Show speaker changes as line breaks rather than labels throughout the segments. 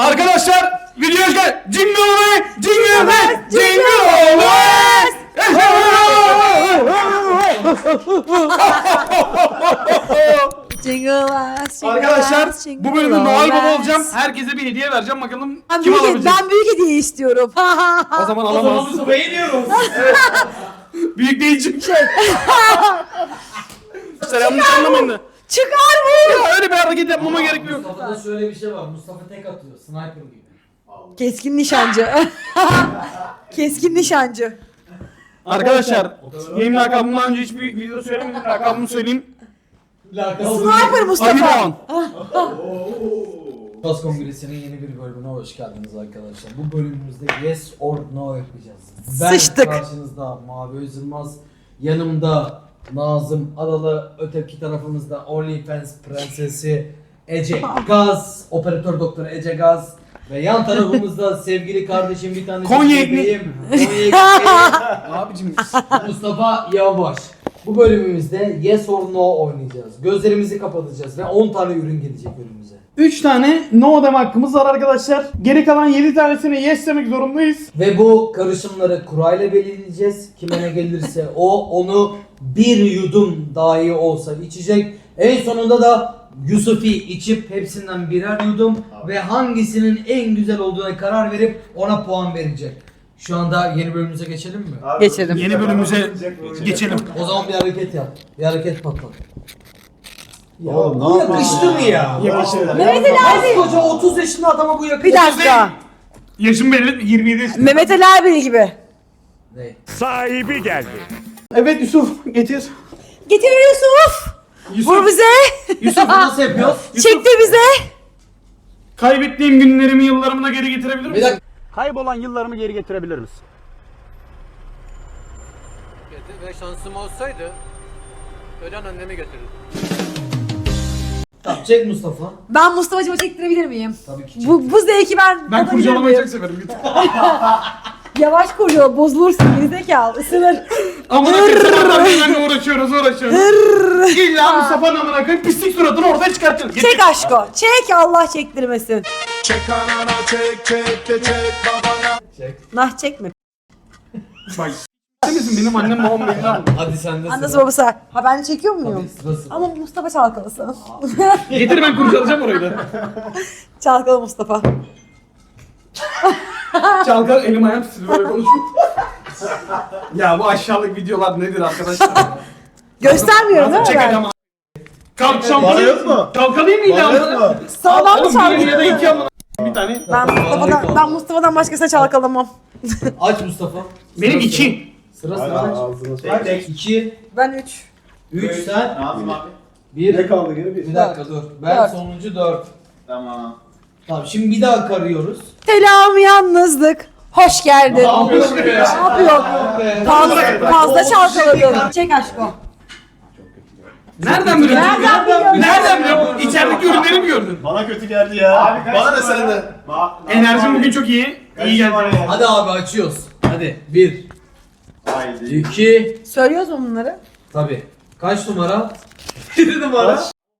Arkadaşlar video gel. Jingle way, jingle way, jingle way. Arkadaşlar bu bölümde Noel Baba olacağım. Herkese bir hediye vereceğim. Bakalım kim alabilecek.
Ben büyük hediye istiyorum.
O zaman alamaz.
Beğeniyoruz.
Büyük değilcim. Yanlış anlamayın da.
Çıkar bu.
Ya öyle bir hareket yapmama gerek yok.
Mustafa'da şöyle bir şey var. Mustafa tek atıyor. Sniper gibi.
Keskin nişancı. Keskin nişancı.
Arkadaşlar benim lakabımdan önce hiçbir videoda söylemedim. Lakabımı söyleyeyim.
Sniper
Ali
Mustafa.
Doğan.
Bas Kongresi'nin yeni bir bölümüne hoş geldiniz arkadaşlar. Bu bölümümüzde Yes or No yapacağız. Ben
Sıçtık.
karşınızda Mavi Özılmaz, yanımda Nazım Adalı, öteki tarafımızda OnlyFans prensesi Ece Gaz, operatör doktor Ece Gaz ve yan tarafımızda sevgili kardeşim bir tane
Konya
bebeğim, Konya ekmeği,
Abicim
Mustafa Yavaş. Bu bölümümüzde Yes or No oynayacağız. Gözlerimizi kapatacağız ve 10 tane ürün gelecek önümüze.
3 tane no deme hakkımız var arkadaşlar. Geri kalan 7 tanesine yes demek zorundayız.
Ve bu karışımları kurayla belirleyeceğiz. Kime ne gelirse onu bir yudum dahi olsa içecek. En sonunda da Yusufi içip hepsinden birer yudum ve hangisinin en güzel olduğuna karar verip ona puan verecek. Şu anda yeni bölümümüze geçelim mi?
Geçelim.
Yeni bölümümüze geçelim.
O zaman bir hareket yap. Bir hareket patlat. Ya
Oğlum,
bu
ne yapıyorsun
yakıştı mı ya?
Yakıştı.
Mehmet Ali abi.
Koca 30 yaşında adama bu yakıştı.
Bir dakika.
Yaşım belli 27 yaşında.
Mehmet Ali abi gibi.
Ne?
Sahibi geldi.
Evet Yusuf getir.
Getir Yusuf. Vur
Yusuf,
bize.
Yusuf nasıl yapıyoruz?
Çekti bize.
kaybettiğim günlerimi yıllarımı da geri getirebilir
Bir
misin?
dakika.
Kaybolan yıllarımı geri getirebilir misin?
Ve şansım olsaydı ölen annemi götürürdüm.
Tamam çek Mustafa.
Ben Mustafa'cıma çektirebilir miyim?
Tabii ki çek.
Bu zevki ben
Ben
tadabilir
kurcalamayı
miyim?
çok severim. Git.
Yavaş kurcala, bozulursun, gerizekalı, ısınır.
Amına koyayım sabahtan beri benimle uğraşıyoruz. İlla Mustafa'nın amına koyayım pislik suratını ortaya çıkartıyoruz. Getir.
Çek aşko, çek Allah çektirmesin.
Çek anana çek babana.
Nah çekme.
Bak. Sen misin benim annem babam belli ama.
Hadi sen de
Annesi babası. Ha ben çekiyor muyum?
Tabii sırası.
Ama Mustafa çalkalasın.
Getir ben kurcalayacağım orayı da.
Çalkala Mustafa.
Çalkal elim ayağım titriyor böyle konuşma. Ya bu aşağılık videolar nedir arkadaşlar?
Göstermiyorum değil mi
Çekeceğim
ben?
abi. Kalk
Var yok mu?
Çalkalayayım mıydı
Var yok
amına?
mu?
Sağdan mı
Oğlum bir ya da
çalkaladın?
iki amına. Bir tane.
Ben Mustafa'dan başkasına çalkalamam.
Aç Mustafa.
Benim
Sıra
2.
Sıra
Hala
sıra aç.
ağzına sok.
Kaç? 2,
Ben 3.
3 sen.
Nazım abi.
1.
Ne kaldı geri?
Bir dakika dur. Ben
Dört.
sonuncu 4.
Tamam.
Tamam şimdi bir daha karıyoruz.
Selam yalnızlık. Hoş geldin.
Ne yapıyorsun be
Ne
ya?
yapıyor? Fazla çalkaladın. Çek aşko.
Nereden biliyorsun?
Nereden biliyorsun?
Nereden biliyorsun? İçerideki ürünleri mi gördün?
Bana kötü geldi ya.
Abi kaç
Bana ne
numara?
sende?
Enerjim bugün çok iyi. İyi geldi.
Hadi abi açıyoruz. Hadi. 1,
Haydi.
2.
Söylüyoruz mu bunları?
Tabii. Kaç numara? 7 numara.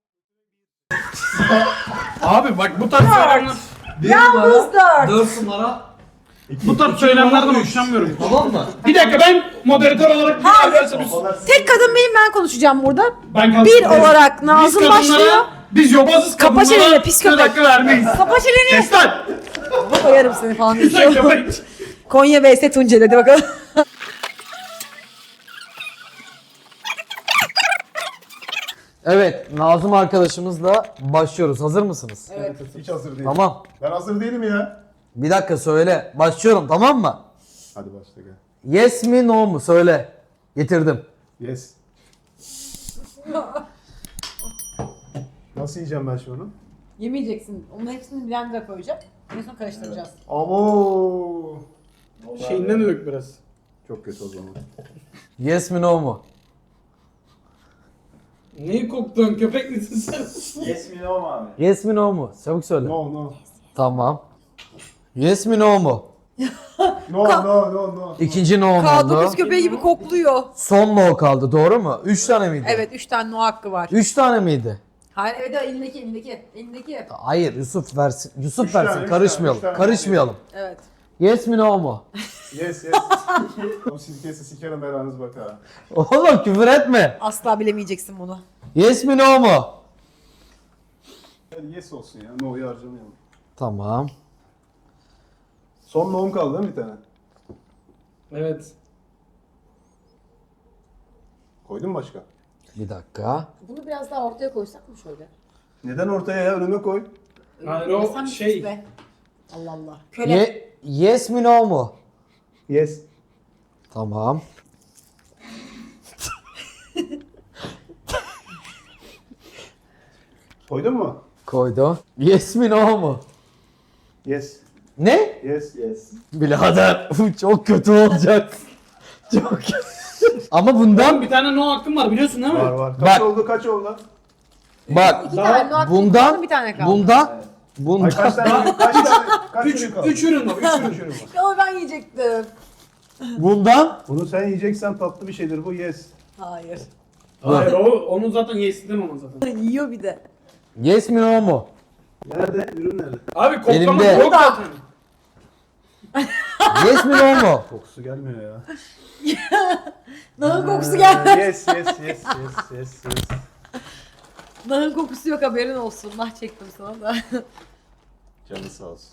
Abi bak bu tarz söylemler,
1
Yalnız
numara.
4.
4 numara.
bu tarz söylemlerden hoşlanmıyorum.
Tamam mı?
Bir dakika ben moderatör olarak bir arkadaşlar biz
Tek kadın benim, ben konuşacağım burada.
ben
Bir olarak Nazım
biz kadınlara,
başlıyor.
Biz yobazız
Kapa
kadınlara
çeneni, pis köpek.
hakkı vermeyiz.
Kapa çeneni.
Kes lan!
Koyarım seni falan
Sen
diyor.
köpek.
Konya vs Tunceli, hadi bakalım.
Evet, Nazım arkadaşımızla başlıyoruz. Hazır mısınız?
Hiç hazır değilim.
Tamam.
Ben hazır değilim ya.
Bir dakika söyle. Başlıyorum tamam mı?
Hadi başla gel.
Yes mi no mu? Söyle. Getirdim.
Yes. Nasıl yiyeceğim ben şunu?
Yemeyeceksin. Onun hepsini blender'a koyacağım. En son karıştıracağız.
Abo.
Şeyinden de dök biraz.
Çok kötü o zaman.
Yes mi no mu?
Neyi koktun? Köpek misin sen?
Yes mi no mu abi?
Yes mi no mu? Çabuk söyle.
No no.
Tamam. Yes mi no mu?
No no no no.
İkinci no mu oldu?
K9 köpeği gibi kokluyor.
Son no kaldı doğru mu? 3 tane miydi?
Evet, 3 tane no hakkı var.
3 tane miydi?
Hayır evet elindeki.
Hayır Yusuf versin. Yusuf
Üç
versin.
tane, üç
Karışmayalım.
tane, üç tane.
Karışmayalım.
Evet.
Yes mi no mu?
Yes yes. O silkesi sikerim belanız bak ha.
Oğlum küfür etme.
Asla bilemeyeceksin bunu.
Yes mi no mu?
Hadi yes olsun ya. No'yu harcamayalım.
Tamam.
Son no'm kaldı değil mi bir tane?
Evet.
Koydun mu başka?
Bir dakika.
Bunu biraz daha ortaya koysak mı şöyle?
Neden ortaya ya? Önüme koy.
Hayır
Ya
o
sen
şey.
sus be. Allah Allah. Köle.
Yes mi no mu?
Yes.
Tamam.
Koydun mu?
Koydu. Yes mi no mu?
Yes.
Ne?
Yes. Yes.
Birader bu çok kötü olacak. Çok kötü. Ama bundan
Bir tane no hakkım var biliyorsun değil mi?
Var var. Kaç
Bak.
oldu? Kaç oldu?
bak
İki tane no hakkın
bundan
kaldı, bir tane kaldı.
bundan
Ay kaç tane? Kaç tane? Kaç ürün kaldı?
3 ürün var. 3 ürün.
Üç ürün var.
Ya ben yiyecektim.
bundan
Bunu sen yiyeceksen tatlı bir şeydir bu. Yes.
Hayır.
Hayır o onun zaten yesinden ona zaten.
Yiyor bir de.
yes mi no mu?
Nerede? Ürün nerede?
Abi koklama
Elimde.
yok zaten.
Yes mi no mu?
Kokusu gelmiyor ya.
Nahın kokusu gelmez.
Yes yes yes yes yes yes.
Nahın kokusu yok haberin olsun. Nah çektim sana da.
Canı sağ olsun.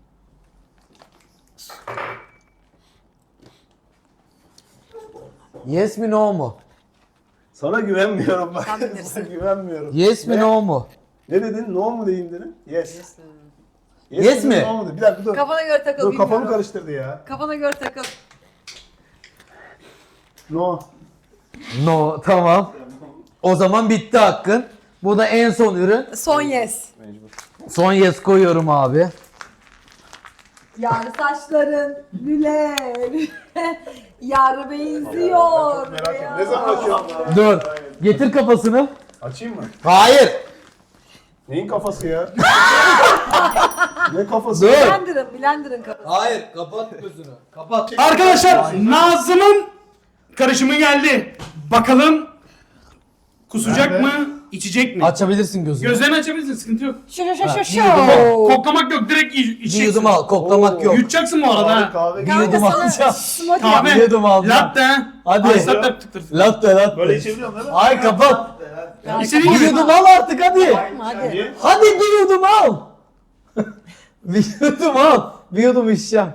Yes mi no mu?
Sana güvenmiyorum bak.
Sen bilirsin.
Sana güvenmiyorum.
Yes mi
Ne?
no mu?
Ne dedin? No mu diyeyim dedin? Yes.
Yes
dedin,
mi?
No mu dedin? Bir dakika dur.
Kafana göre takıl.
Dur kafamı
bilmiyorum.
karıştırdı ya.
Kafana göre takıl.
No.
No tamam. O zaman bitti hakkın. Bu da en son ürün.
Son yes.
Mecbur.
Son yes koyuyorum abi.
Yar saçların lüle. Yar benziyor.
Merak ettim. Ne zaman açıyorum?
Dur. Getir kafasını.
Açayım mı?
Hayır.
Neyin kafası ya? Ne kafası?
Dur.
Blender'ın kafası.
Hayır. Kapat gözünü. Kapat.
Arkadaşlar Nazım'ın karışımı geldi. Bakalım kusacak
Nerede?
mı, içecek mi?
Açabilirsin gözünü.
Gözlerini açabilirsin, sıkıntı yok.
Şu.
Koklamak yok, direkt
Bir
içeceksin.
yudum al. Koklamak yok.
Yutacaksın bu arada ha.
Kahve
Bir yudum alacağım.
Smoothie
Kahve,
Bir yudum alacağım.
latte ha.
Hadi.
Ice latte tıktırsın.
Latte.
Böyle içebiliyorum değil mi?
Ay kapat.
İstediğin
Bir
gibi.
yudum al artık hadi.
Hadi.
Niye?
Hadi bir yudum al. Bir yudum al. Bir yudum içeceğim.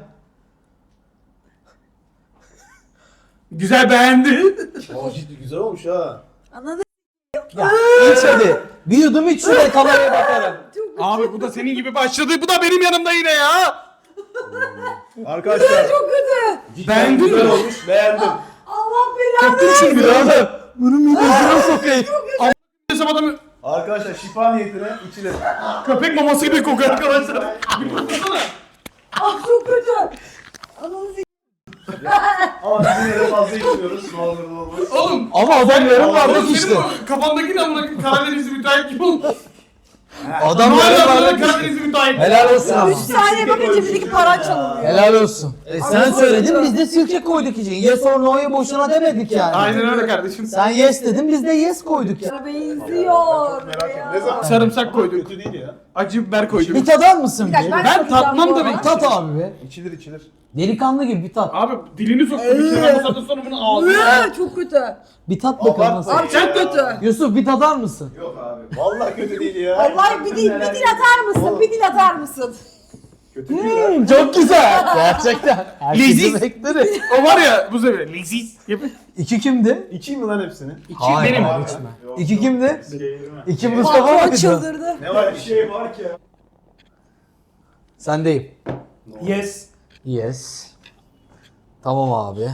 Güzel beğendi.
Aa, ciddi güzel olmuş ha.
Anladın?
Ya iç hadi. Bir yudum iç şuraya kameraya bakarım.
Abi bu da senin gibi başladı. Bu da benim yanımda yine ya.
Arkadaşlar.
Çok kötü.
Beğendin
Güzel
mi?
olmuş. Beğendim.
Allah belanı.
Koptun şimdi biraz.
Birader. Bunun midesine sokayım.
Desem adamı
Arkadaşlar şifa niyetine içilir.
köpek maması gibi kokuyor arkadaşlar.
Ah çok kötü. Ananı s***.
Ama biz yine de fazla içmiyoruz. Ne olur ne olmaz.
Oğlum.
Ama adam yarım bardak
Oğlum
içti.
senin bu kafandaki ne amına Karadenizli müteahhit gibi oldu.
Adam yarım
Hala
bardak içti.
Karadenizli müteahhit.
Helal olsun ama.
3 saniye bakınca cebindeki paran çalınıyor.
Helal olsun. Sen söyledin biz de sirke koyduk için. Yes or no'yu boşuna demedik yani.
Aynen öyle kardeşim.
Sen yes dedin biz de yes koyduk ya.
Yar benziyor.
Merak ettim. Ne zaman?
Sarımsak koyduk.
Kötü değil ya.
Acı biber koyduk.
Bir tadar mısın
Bir dakika,
bir?
Ben
tadacağım
tatmam
bu
da
arada.
ben-
Tat abi be.
İçilir içilir.
Delikanlı gibi bir tat.
Abi dilini soktum içine bu saatten sonra bunu ağzına.
Çok kötü.
Bir tat bakalım
Abartma.
nasıl.
Abi çok kötü.
Yusuf bir tadar mısın?
Yok abi. Vallahi kötü değil ya.
Vallahi bir dil atar mısın? Bir dil atar mısın?
Kötü değil ya.
Çok güzel. Gerçekten.
Leziz.
Herkesi bekleriz.
O var ya bu sefer leziz.
İki kimdi?
İçeyim mi lan hepsini?
Hayır,
benim.
hayır, içme. İki kimdi?
Sikeyirme.
İki Mustafa
Patron
mıydı?
çıldırdı.
Ne var bir şey var ki.
Sendeyim.
Yes.
Yes. Tamam abi.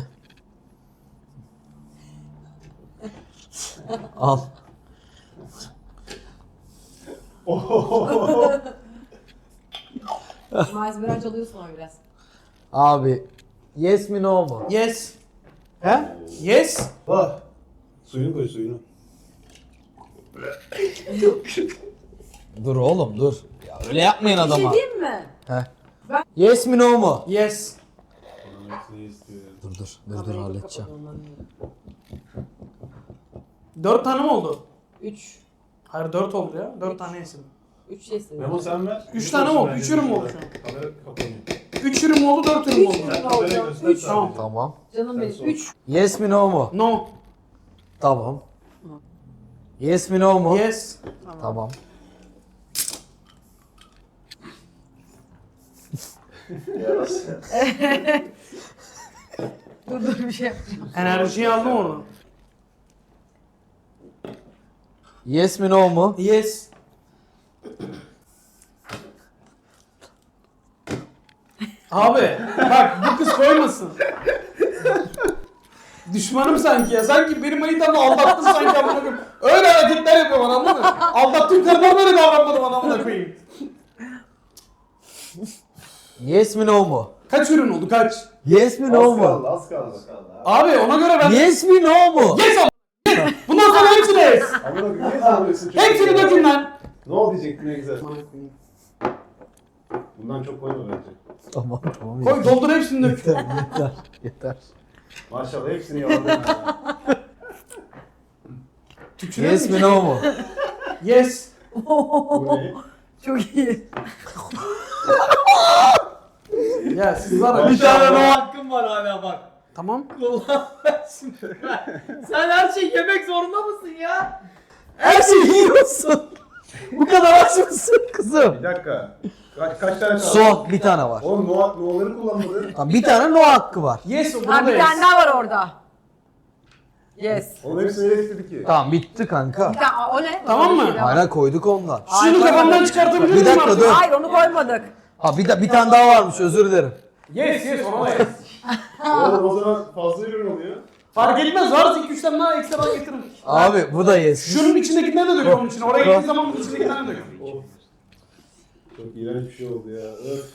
Al.
Malzemeler çalıyorsun ama biraz.
Abi. Yes mi no mu?
Yes. He? Yes.
Var. Suyunu koy suyunu.
Dur oğlum dur. Ya öyle yapmayın
Bir şey
adama.
diyeyim mi?
Yes mi no mu?
Yes.
Dur halledeceğim.
4 tane mi oldu?
3.
Hayır 4 oldu ya. 4 tane yesin.
3 yesin.
Memo sen ver.
3 tane mi oldu? 3 ürün mü oldu şu an?
Kamera kapanıyor.
3 ürün mü oldu 4 ürün mü oldu?
Kamerayı göster.
Üç.
Tamam.
Tamam.
Canım benim. 3.
Yes mi no mu?
No.
Tamam. Yes mi no mu?
Yes.
Tamam.
Yarası.
Dur bir şey yapacağım.
Enerjiyi aldım oradan.
Yes mi no mu?
Yes. Abi bak bu kız koymasın. Düşmanım sanki ya. Sanki benim manitamla aldattın sanki amına koyayım. Öyle hareketler yapıyor bana anladın mı? Aldattığım karılar böyle davranmadı bana amına koyayım.
Yes mi no mu?
Kaç ürün oldu kaç?
Yes mi no
Az
mu?
kaldı, az kaldı.
Abi ona göre ben...
Yes mi no mu?
Yes am- Yes! Bundan sonra hepsini yes!
Ama bak niye zorluyorsun?
Hepsini dökün lan!
Ne oldu diyecektin ne güzel. Bundan çok koyma bence.
Tamam tamam.
Koy doldur hepsini dök.
Yeter. Yeter.
Maşallah hepsini yaladın ya.
Tükürüyor
Yes
musun?
mi no mu?
Yes.
Bu ne?
Çok iyi.
Ya siz var ya.
Bir tane no hakkım var hala bak.
Tamam.
Sen her şeyi yemek zorunda mısın ya? Her şeyi yiyorsun. Bu kadar aç mısın kızım?
Bir dakika. Kaç tane kaldı?
Son bir tane var.
Oğlum no'ları kullanmadın.
Tamam, bir tane no hakkı var.
Yes o
Ha
burada
bir
yes.
tane daha var orada. Yes.
Onun hepsini öyle istedi ki.
Tamam bitti kanka.
Bir tane, o ne?
Tamam mı?
Öyle bir şey var.
Hala koyduk ondan.
Şunu kafamdan çıkartabilir miyim
Bir dakika,
artık?
dur.
Hayır onu koymadık.
Ha bir tane daha varmış, özür dilerim.
Yes yes ona yes.
Oğlum o zaman fazla ürün oluyor.
Fark etmez varsa 2-3 tane daha ekstradan getiririm.
Abi bu da yes.
Şunun içindekinden de dök onun içine. Oraya gittiğin zaman bunun içindekinden de dök.
Of. Çok iğrenç bir şey oldu ya. Öf.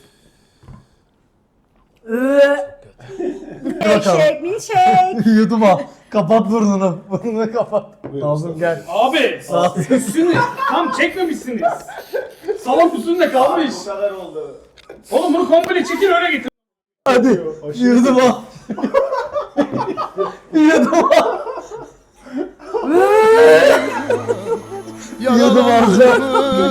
Milkshake, milkshake.
Yudum al. Kapat burnunu. Burnunu kapat.
Buyurun,
Nazım gel.
Abi üstünü tam çekmemişsiniz. Salon üstünde kalmış.
Bu kadar oldu.
Oğlum bunu komple çekin öyle getir.
Hadi.
Aşırı-
Yudum al. Yudum al. Yudum alacağım.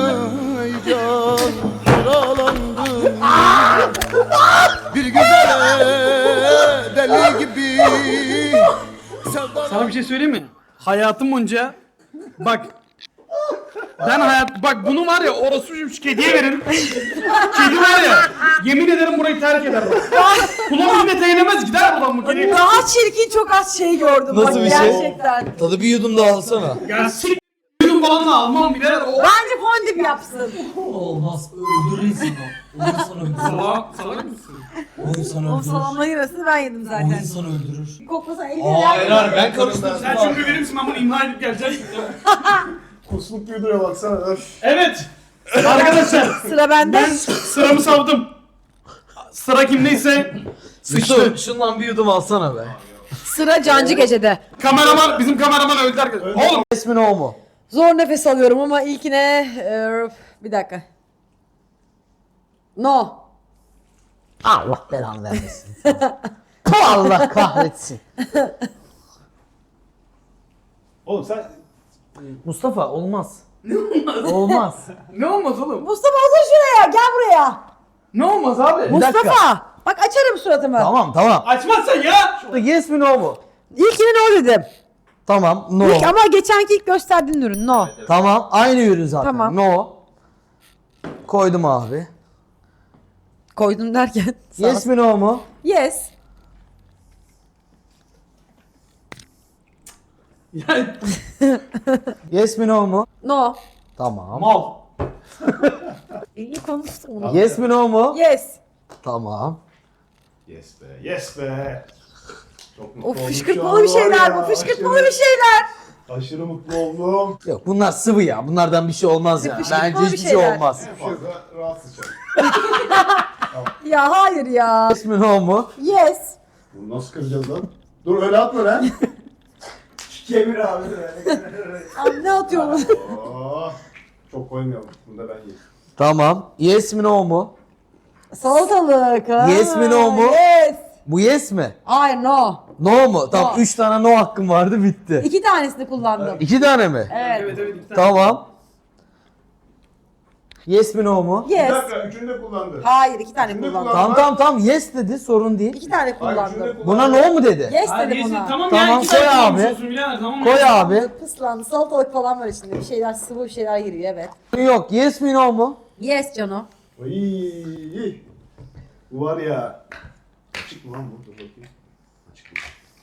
Bir güzel deli gibi
Sana bir şey söyleyeyim mi? Hayatım boyunca bak bak bunu var ya orası şu kediye verin. Kedi var ya yemin ederim burayı terk eder bak. Kulağım yine değinemez gider buradan bu kedi.
Daha çirkin çok az şey gördüm.
Nasıl
bak,
bir şey?
Gerçekten.
Tadı bir yudum daha alsana.
Ya sik yudum falan da almam birer o.
Bence fondip yapsın.
Olmaz. Öldürür insanı. O insan öldürür.
Salak mısın?
O insan
O
öldürür.
salamla yarısını ben yedim
O
zaten.
insan öldürür.
Koklasana elini
Hayır hayır ben karıştırdım.
Sen çünkü verir misin ben bunu imha edip geleceğim.
Kusmuk gibi duruyor baksana. Öf.
Evet. Arkadaşlar
Sıra bende.
ben sıramı savdım. Sıra kimdeyse sıçtı.
Yusuf şundan bir yudum alsana be.
Sıra Cancı Gece'de.
Kameraman bizim kameraman öldü arkadaşlar. Oğlum
Yes mi no mu?
Zor nefes alıyorum ama ilkine... bir dakika. No.
Allah belanı vermesin. Allah kahretsin.
Oğlum sen
Mustafa olmaz. Olmaz.
ne olmaz oğlum?
Mustafa otur şuraya. Gel buraya.
Ne olmaz abi?
Mustafa. Bak açarım suratımı.
Tamam.
Açmazsan ya.
Yes mi no mu?
İlkine no dedim.
Tamam no.
İlk, ama geçenki ilk gösterdiğin ürün no.
Tamam aynı ürün zaten.
Tamam.
No. Koydum abi.
Koydum derken.
Yes mi no mu?
Yes.
Ya
Yes mi no mu?
No.
Tamam.
mal.
İyi konuştum onu.
Yes mi no mu?
Yes.
Tamam.
yes be, yes be. Çok mutlu
Of
oldum şu
fışkırtmalı
an
bir şeyler
var ya,
bu. Fışkırtmalı
aşırı-
bir şeyler.
Aşırı mutlu oldum.
Yok bunlar sıvı ya. Bunlardan bir şey olmaz ya.
Fışkırtmalı
Bence
bir
hiçbir şey
şeyler.
olmaz.
Fazla rahatsız çok.
Ya hayır ya.
Yes mi no mu?
Yes.
Bunu nasıl kıracağız lan? Dur öyle atma lan. Kemir abi.
Abi ne atıyorsun?
Oh, çok koymayalım. Bunu da ben yiyeyim.
Tamam. Yes mi no mu?
Salatalık. Ha.
Yes mi, no mu?
Yes.
Bu yes mi?
Hayır no.
No mu? Tamam
No.
3 tane no hakkım vardı bitti.
2 tanesini kullandım.
2 tane mi?
Evet.
Evet iki tane.
Tamam. Yes mi no mu?
Bir
Yes.
dakika, üçünü de kullandı.
Hayır, 2 tane
Üçünü de
kullandım.
Tamam yes dedi, sorun değil.
2 tane
Hayır, üçünü de
kullandım.
Buna
kullandı.
no mu dedi?
Yes
Hayır,
dedim
neyse,
ona.
tamam,
Tamam,
ya 2
koy
tane
abi.
konuşuyorsun birader, tamam mı?
Koy abi.
Pıslandı, salatalık falan var içinde. Bir şeyler, sıvı bir şeyler giriyor, evet.
Yok, yes mi no mu?
Yes Cano.
Ay, bu var ya. Açık mı lan bu? Dur bakayım. Açık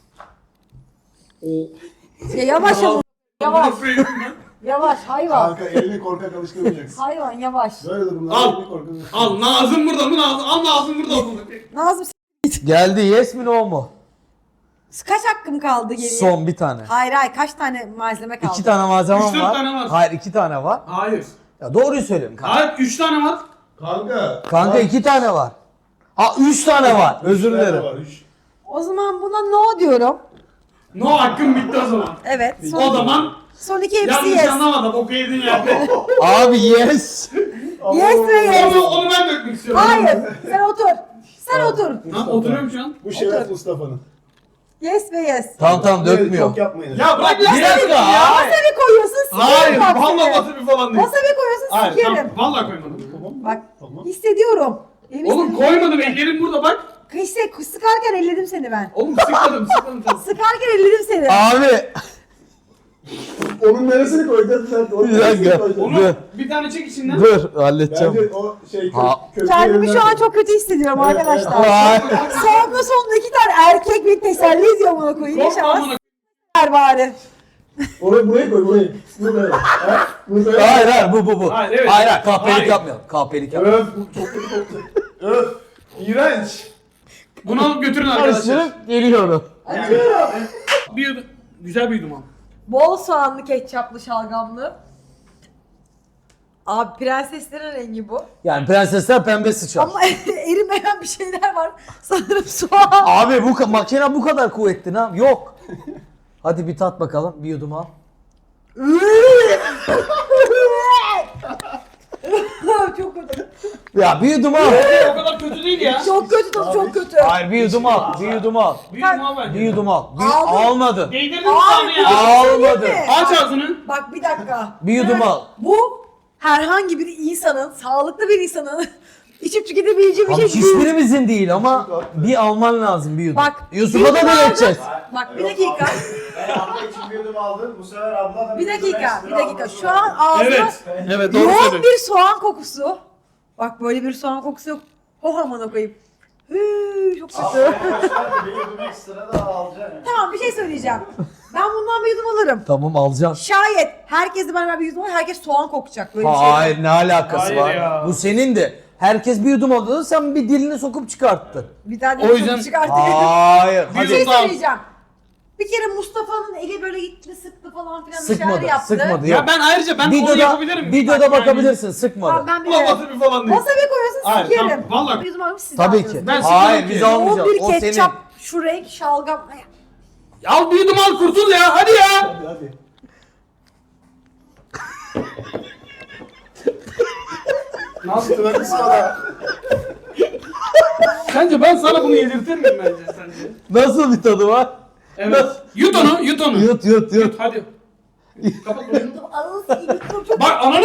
mı?
Ya yavaş ama. Yavaş. Yavaş hayvan.
Kanka elini korkak alıştırmayacaksın.
Hayvan yavaş.
Böyle durumlarda
Al.
elini korkak alıştırmayacaksın.
Al Nazım burada mı Nazım? Al Nazım burada mı?
Nazım
Geldi, yes mi no mu?
kaç hakkım kaldı geriye?
Son bir tane.
Hayır kaç tane malzeme kaldı?
2 tane malzemem
3-4
var.
tane var.
Hayır 2 tane var.
Hayır.
Ya doğruyu söylüyorum kanka.
Hayır 3 tane var.
Kanka.
Kanka 2 tane var. Ha 3 tane var. Özür dilerim.
O zaman buna no diyorum.
No hakkım bitti o zaman.
Evet.
O zaman
Son iki hepsi
yanlış
yes.
anlamadım. Boku yedin yerde.
Abi yes.
Yes ve yes.
Onu ben dökmek istiyorum.
Hayır. Sen otur. Sen otur.
Lan oturuyorum şu an.
Bu şeref Mustafa'nın.
Yes ve yes.
Tamam dökmüyor.
Çok yapmayın.
Ya bırak
Bir dakika.
Wasabi koyuyorsun sikerim
Hayır.
bak
Vallahi
seni.
wasabi falan değil.
Wasabi koyuyorsun
Hayır
sikerim.
tamam. Vallahi koymadım.
Bak
Tamam.
hissediyorum.
Oğlum koymadım. Ellerim burada bak.
Sıkarken elledim seni ben.
Oğlum sıkmadım. Sıkmadım.
Sıkarken elledim seni.
Abi
Onun neresini koyacağız sen? Onun
Bir
neresini
dakika.
koyacaksın?
Onu bir tane çek içinden.
dur halledeceğim.
Bence o şey
Ha.
kötü
Kendimi şu
yerinden-
an çok kötü hissediyorum
Evet,
arkadaşlar.
Ay.
Sonunda 2 tane erkek beni teselli ediyor bana koyayım.
Korkma
İnşallah
amına.
s**ler bari.
Buraya koy burayı. Buraya. Ha? Buraya.
Hayır bu.
Hayır, evet.
Hayır kahpelik
Hayır.
yapmayalım. Kahpelik yapmayalım.
Öf bu çok kötü koktu. Öf. İğrenç.
Bunu alıp götürün arkadaşlar.
Karıştırıp geliyorum.
Güzel bir yudum al.
Bol soğanlı ketçaplı şalgamlı. Abi prenseslerin rengi bu.
Yani prensesler pembe sıçar.
Ama erimeyen bir şeyler var. Sanırım soğan.
Abi makine bu kadar kuvvetli ha? Yok. Hadi bir tat bakalım. Bir yudum al.
Çok kötü.
Ya bir yudum al.
O kadar kötü değil ya.
Çok kötü tadı çok kötü.
Hayır bir yudum al. Bir yudum al.
Bir yudum al bence.
Bir yudum al.
Aldım.
Almadın.
Değdirdin
Abi,
sana ya.
Almadı.
mi?
Aç ağzını.
Bak bir dakika.
Bir yudum al.
Bu herhangi bir insanın, sağlıklı bir insanın içip tüketebileceği bir
Abi
şey değil.
hiçbirimizin değil ama bir alman lazım bir yudum.
Bak,
Yusuf'a
bir
da
yudum
deneteceğiz.
Bak bir dakika.
Ben abla için bir yudum aldım. Bu sefer abla da
Bir dakika. Şu an ağzına
Evet. Evet doğru
yoğun
söylüyorsun.
bir soğan kokusu. Bak böyle bir soğan kokusu yok. Oh aman koyayım. Çok kötü.
bir yudum ekstra da alacaksın.
Tamam bir şey söyleyeceğim. Ben bundan bir yudum alırım.
Tamam alacağım.
Şayet herkes de beraber bir yudum alır, herkes soğan kokacak. Böyle bir şey var.
Hayır ne alakası
Hayır
var?
ya.
Bu senin de. Herkes bir yudum aldı sen bir dilini sokup çıkarttın.
Bir tane
O
yudum
yüzden-
çıkartıp
Hayır.
bir şey
Hadi.
söyleyeceğim. Bir kere Mustafa'nın eli böyle gitti sıktı falan filan bir şeyler
Sıkmadı.
yaptı.
Sıkmadı.
Ya
Yok.
ben ayrıca ben onu
Videoda,
yapabilirim.
videoda
Bak
bakabilirsin. Sıkmadı.
Tamam ben bir
Yani. Ulan wasabi falan değil.
wasabi koyuyorsun
Hayır,
sikerim.
tamam, vallahi.
Bir yudum alıp siz
Tabii
aldınız.
ki.
Ben
Hayır
sıkmadım
biz
ki.
almayacağız.
Yoğun
O
bir ketçap,
senin.
şu renk şalgam.
Al bir yudum al kurtul ya. Hadi ya.
Hadi.
Nasıl?
Tırnak ısmada.
Sence ben sana bunu yedirtir miyim bence sence?
Nasıl bir tadı var?
Evet. Yut onu, yut onu.
Yut.
Hadi. Kapat bunu.
Ağız gibi çok
Bak ananı.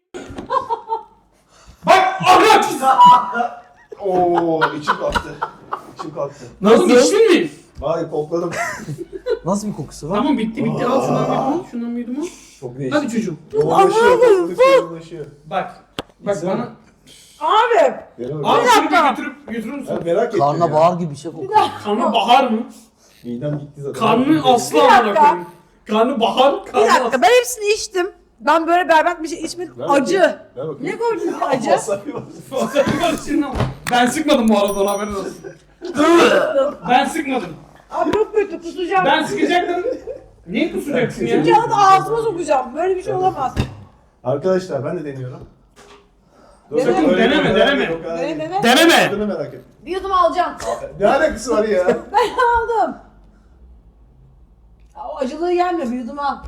Bak ahlaç.
Oo içim kalktı. İçim kalktı.
Nasıl içtin mi?
Vay kokladım.
Nasıl bir kokusu var?
Tamam bitti. Al şundan bir yudum. Şundan bir yudum al.
Çok değişik.
Hadi çocuğum.
Yoğunlaşıyor. Kokladıkça yoğunlaşıyor.
Bak. Bak
Güzel.
bana.
Abi.
Al
Abi.
şunu bir götürür müsün?
Ben merak ettim
Karnına
ya.
bağır gibi bir şey kokuyor.
Karnı bahar mı?
Midem gitti zaten.
Karnı asla
Bir
amına
dakika.
koyayım. Karnı bahar,
Bir
karnı
dakika ben hepsini içtim. Ben böyle berbat bir şey içmedim.
Ver bakayım.
Acı.
Ver bakayım.
Ne koydun acı?
Wasabi var.
Ben sıkmadım bu arada ona haberin olsun. Ben sıkmadım.
Abi çok kötü kusacağım.
Ben sıkacaktım. Niye kusacaksın ya?
Kağıt ağzıma sokacağım. Böyle bir şey olamaz.
Arkadaşlar ben de deniyorum.
Deneme,
Sakın öyle
deneme,
bir
deneme.
yok ha.
Dene.
Deneme.
Tadını merak ettim.
Bir yudum alacağım.
Ne alakası var ya?
Ben aldım. O acılığı gelmiyor. Bir yudum al.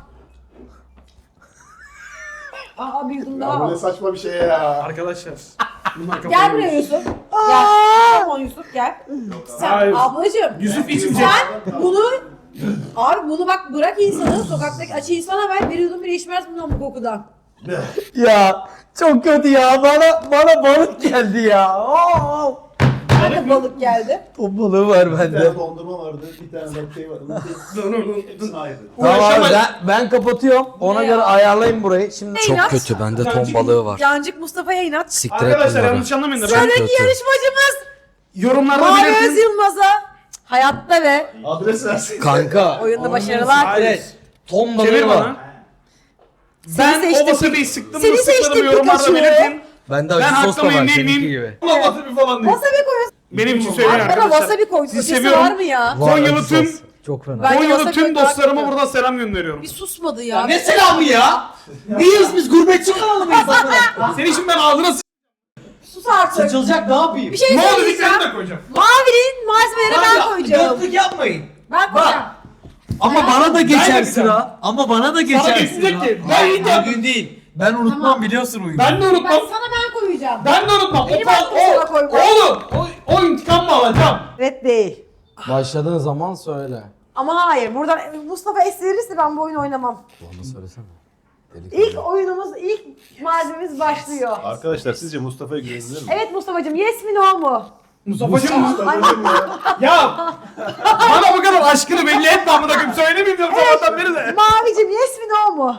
Aa bir yudum daha
Ya bu ne
al.
saçma bir şey ya.
Arkadaşlar. Bunlar
Gel
kafayı
buraya
yemiş.
Yusuf. Gel. Tamam Yusuf gel. Sen
Hayır.
ablacığım.
Yusuf içmeyecek.
Sen bunu abi bunu bak bırak insanı sokaktaki açı insana ver bir yudum bile içmez bundan bu kokudan.
Ya Çok kötü ya. Bana balık geldi ya. Oo.
Bana balık geldi.
Ton balığı var
Bir
bende.
tane dondurma vardı, bir tane de şey vardı. Hepsini ayrı.
Tamam
Uğraşamaz.
ben kapatıyorum. Ona
Ne
göre
ya?
ayarlayın burayı. Şimdi
Çok İnat.
Kötü bende ton balığı var.
Cancık Mustafa'ya inat.
Siktir et
Arkadaşlar
bunları.
yanlış anlamayın da ben
Sıradaki
kötü.
yarışmacımız
yorumlarda
Mavi Öz
belirtin.
Yılmaz'a hayatta ve
Adres versin.
Kanka.
oyunda başarılar.
Hayır.
ton
Çevir
balığı
bana.
var.
Ben
seçtim.
o wasabi'yi sıktım
Seni
mı sıkmadım
seçtim
yorumlarda
Pikachu.
belirtin.
Bende
Ben
acı sos da
hakkımı
var
yemeyeyim
seninki
miyim?
gibi.
Allah wasabi falan değil.
Wasabi koyuyorsun.
Benim için söyleyin
Arkada
arkadaşlar.
wasabi koyduk.
Sizi
Ötesi
seviyorum.
var mı ya?
Var,
Konyalı
acı
tüm
sos. Çok fena.
Ben-
Konyalı
wasabi
tüm
koymak
dostlarıma
istiyorum.
buradan selam gönderiyorum.
Bir susmadı ya.
Ne selamı ya? Biz gurbetçi kanalı mıyız amına?
Senin için ben ağzına
Sus artık.
Saçılacak ne yapayım?
Bir şey
ne oldu
söyleyeceğim.
diklerini de koyacağım.
Mavinin malzemeleri ben koyacağım.
Götlük yapmayın.
Ben koyacağım.
Ama bana da
Ben
geçer
yapacağım.
sıra. Ama bana da
Sana
geçer
geçecek
sıra.
ki. Ben iyi de-
Bugün değil. Ben unutmam
Tamam.
biliyorsun oyunu.
Ben de unutmam.
Ben koyacağım.
Ben de unutmam.
Benim hakkımı sana koyma.
Oğlum o intikam mı alacağım?
Evet değil.
Başladığın zaman söyle.
Ama hayır. Buradan Mustafa es verirse ben bu oyunu oynamam.
Onu söylesene.
İlk oyunumuz, ilk malzememiz başlıyor.
Arkadaşlar sizce Mustafa'ya güvenilir mi?
Evet Mustafa'cığım, yes mi no mu?
Mustafa'cığım
Mustafa'cığım ya.
ya bana bu kadar aşkını belli etme amına koyayım söylemeyeyim diyorum sabahtan beri de.
Mavicim, yes mi no mu?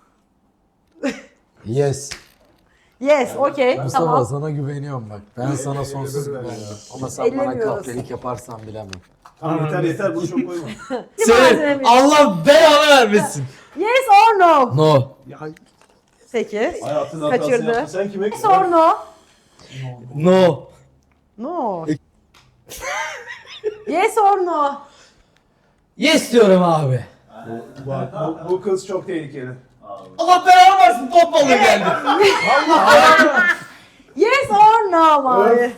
Yes.
Yes, okey,
Mustafa
tamam.
sana güveniyorum bak. Ben sana sonsuz güveniyorum. Ama sen bana
Ellemiyoruz.
kahpelik yaparsan bilemem.
Tamam yeter bunu çok koyma.
Malzememiz.
Allah belanı vermesin.
Yes or no?
No.
Peki.
Hayatın hatasını
Kaçırdı.
yaptın. Sen kime
Yes or no?
No.
No. Yes or no?
Yes diyorum abi.
Bak bu kız çok tehlikeli.
Allah belanı versin top balığı geldi.
Yes or no Mavi?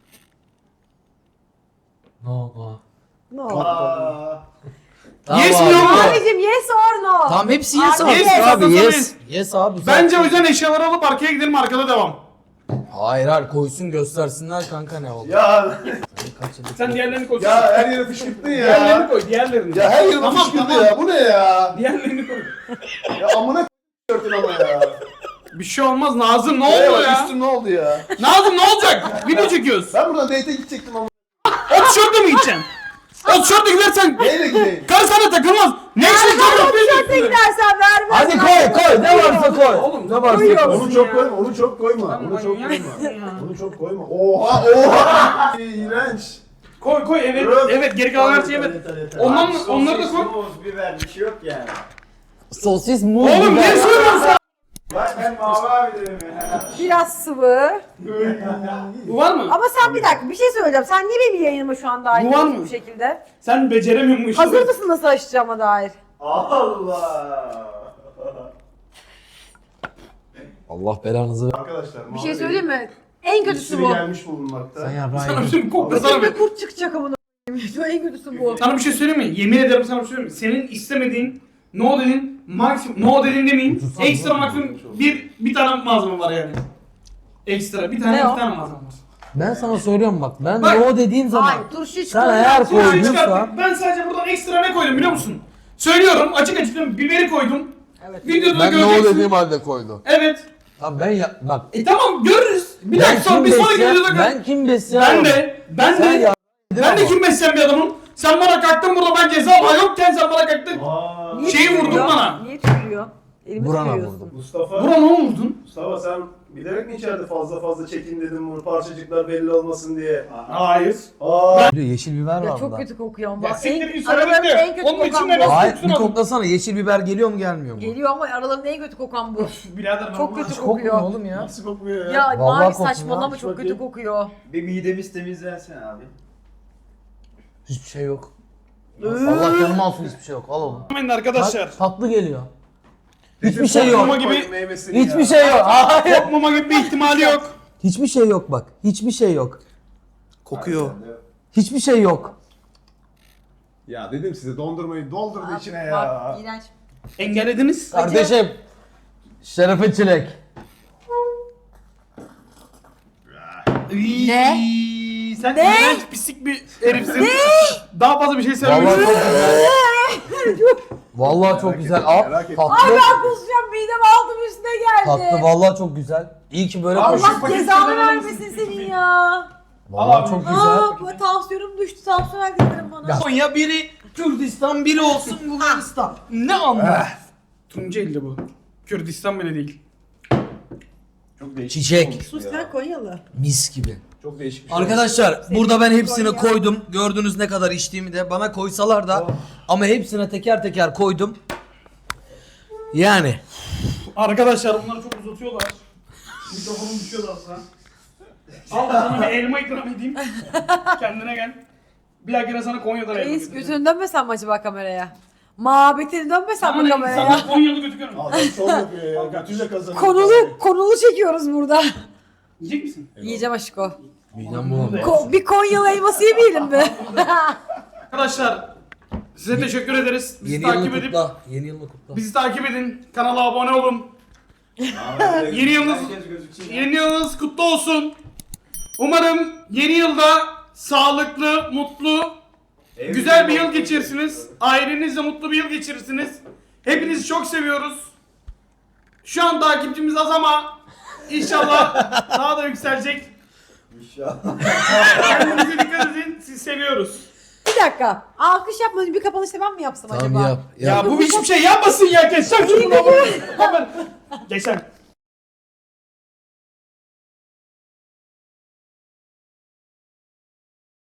No no.
No.
Aa,
Yes mi
abi.
yok mu?
Mavicim, yes or no?
Tamam hepsi yes
Abi,
abi.
yes.
Abi
Yes.
yes. Yes abi.
Bence o yüzden eşyaları alıp arkaya gidelim arkada devam.
Hayır hayır koysun göstersinler kanka ne oldu.
ya
Sen diğerlerini koy.
ya her yere fışkırttın
Diğerlerini
ya.
koy diğerlerini.
Ya her yere
Tamam,
fışkırttı
tamam.
ya. Bu ne ya?
Diğerlerini koy.
Ya amına k***örtün ama ya.
Bir şey olmaz Nazım ne
Neye
oldu
bak,
ya?
Üstüm ne oldu ya?
Nazım ne olacak? Video çekiyoruz.
Ben buradan date'e gidecektim ama.
O tişörtle mi gideceksin? O tişörtle gidersen
Neyle gideyim?
karı sana takılmaz. Ne işin
Tişörtle
çıkıyor?
gidersen vermez.
Hadi koy ne varsa koy.
Oğlum,
ne varsa
koyuyor.
koy.
Onu çok koyma, onu çok koyma.
Lan
Onu çok
manyak
koyma.
ya.
Onu çok koyma. Oha oha. İğrenç.
Koy evet
Öf.
evet geri kalan her şeyi evet. Ondan onları da koy.
Sosis, biber bir şey yok yani.
Sosis muz
Oğlum
biber.
ne söylüyorsun sen?
Bak ben Mavi abi dedim ya.
Biraz sıvı.
Bu var mı?
Ama sen bir dakika bir şey söyleyeceğim. Sen niye benim yayınıma şu an dahil
Bu var
ediyorsun
mı?
bu şekilde?
Sen beceremiyorsun bu işi.
Hazır mısın nasıl açacağıma dair?
Allah.
Allah belanızı.
Arkadaşlar
Bir şey söyleyeyim mi? En kötüsü bu.
gelmiş bulunmakta.
Sen ya
Sana bir şey koklasana bir.
Şimdi kurt çıkacak amına koyayım. Şu en kötüsü bu.
Sana bir şey söyleyeyim mi? Yemin ederim sana bir şey söyleyeyim mi? Senin istemediğin no dedin maksimum no dedin demeyeyim. Ekstra maksimum bir tane malzeme var yani. Ekstra bir tane
Ne o?
iki tane malzeme var.
Ben sana söylüyorum bak. Ben
Bak.
no dediğim zaman.
Hayır turşu
Sen
çıkıyor.
eğer
Şimdi
koyduysa.
çıkarttık. Ben sadece buradan ekstra ne koydum biliyor musun? Söylüyorum açık açık söylüyorum. Biberi koydum.
Evet.
Videoda da
Ben ne o
göreceksin.
dediğim halde koydu.
Evet.
Tamam ben ya bak.
Tamam görürüz. Bir dakika sonra bir sonraki
besleyen-
videoda gör.
Ben kim besleyen?
Ben
Sen
de
ya.
ben de kim besleyen bir adamım. Sen bana kalktın burada ben ceza yokken sen bana kalktın.
Niye
Şeyi vurdun
tükürüyor?
bana.
Niye tükürüyor? Elimi
Burana
tükürüyorsun.
vurdum.
Mustafa.
Buna ne vurdun?
Mustafa sen bilerek mi içeride fazla çekin dedim bunu parçacıklar belli olmasın diye.
Hayır.
Aa.
Yeşil biber
Ya
var
çok
burada.
kötü kokuyor ama.
Ya siktir
En-
git, söyledim
aralarında
de.
en kötü
Onun için
kokan
de
bu.
nasıl-
Hayır bir
Tutsun
koklasana yeşil biber geliyor mu gelmiyor mu?
Geliyor ama aralarında en kötü kokan bu.
Birader ben
Çok
bunu-
kötü
Kokmuyor
kokuyor.
oğlum ya.
Nasıl kokuyor ya?
Ya
Vallahi
Mavi
kokmuyor.
saçmalama
Aç
çok kötü
bakayım.
kokuyor.
Bir midemiz temizlensin abi.
Hiçbir şey yok. Allah canım alsın hiçbir şey yok. Al oğlum.
Amin arkadaşlar.
Tatlı geliyor. Hiçbir şey
Kokmama
yok.
gibi
Meyvesini
Hiçbir
ya.
şey yok. Hayır.
kokmama gibi bir ihtimali yok.
Hiçbir şey yok bak. Hiçbir şey yok.
Kokuyor.
Hiçbir şey yok.
Ya dedim size dondurmayı doldurdu içine ya.
Bak iğrenç.
Engellediniz.
Kardeşim. Şerefe çilek.
Ne?
Sen
Ne?
iğrenç pislik bir herifsin. Daha fazla bir şey
Vallahi
söylemiyorum.
çok güzel. Vallahi çok güzel.
Merak ettim.
Tatlı.
Ay ben kusacağım midem altım üstüne geldi.
Tatlı vallahi çok güzel. İyi ki böyle
Abi,
koyduk.
şu
Allah
paketi
cezanı
sen alır mısın?
vermesin senin ya.
Vallahi çok güzel.
Aa, bu tansiyonum düştü. Tansiyon verdilerim bana.
Konya biri Kürdistan, biri olsun Bulgaristan. Ne anlar?
Tunceli bu. Kürdistan bile değil.
Çok değişik.
Çiçek.
olmuş bu
Sus
ya.
sen Konyalı.
Mis gibi.
Çok değişik bir şey.
Arkadaşlar burada ben hepsini
Konya.
koydum. Gördünüz ne kadar içtiğimi de. Bana koysalar da ama hepsine teker teker koydum. Yani.
Arkadaşlar bunları çok uzatıyorlar. Mikrofonum düşüyor da aslında. Al sana bir elma ikram edeyim. Kendine gel. Bir dahakine sana Konya'dan elma
Reis
getireceğim.
götünü dönmesen mi acaba kameraya? Mabetini dönmesen mi
Sana
kameraya?
insanlar Konyalı götü görmüyor.
Adam şov yapıyor ya. Götüyle kazanıyor.
Konulu çekiyoruz burada.
Yiyecek misin?
Yiyeceğim aşko.
Midem bulandı.
Bir Konyalı elması yemeyelim mi?
Arkadaşlar size teşekkür ederiz. Bizi
Yeni
takip
yılını
edip
kutla. Yeni yılını kutla.
bizi takip edin. Kanala abone olun. Yeni yılınız, yeni yılınız kutlu olsun. Umarım yeni yılda sağlıklı, mutlu, güzel bir yıl geçirirsiniz. Ailenizle mutlu bir yıl geçirirsiniz. Hepinizi çok seviyoruz. Şu an takipçimiz az ama inşallah daha da yükselecek.
İnşallah.
Kendinize dikkat edin. Sizi seviyoruz.
Bir dakika. Alkış yapmadım. Bir kapanışta ben mi yapsam acaba?
Tamam yap.
Ya bu hiçbir şey yapmasın ya. Geçeceğim şunu. Geçen.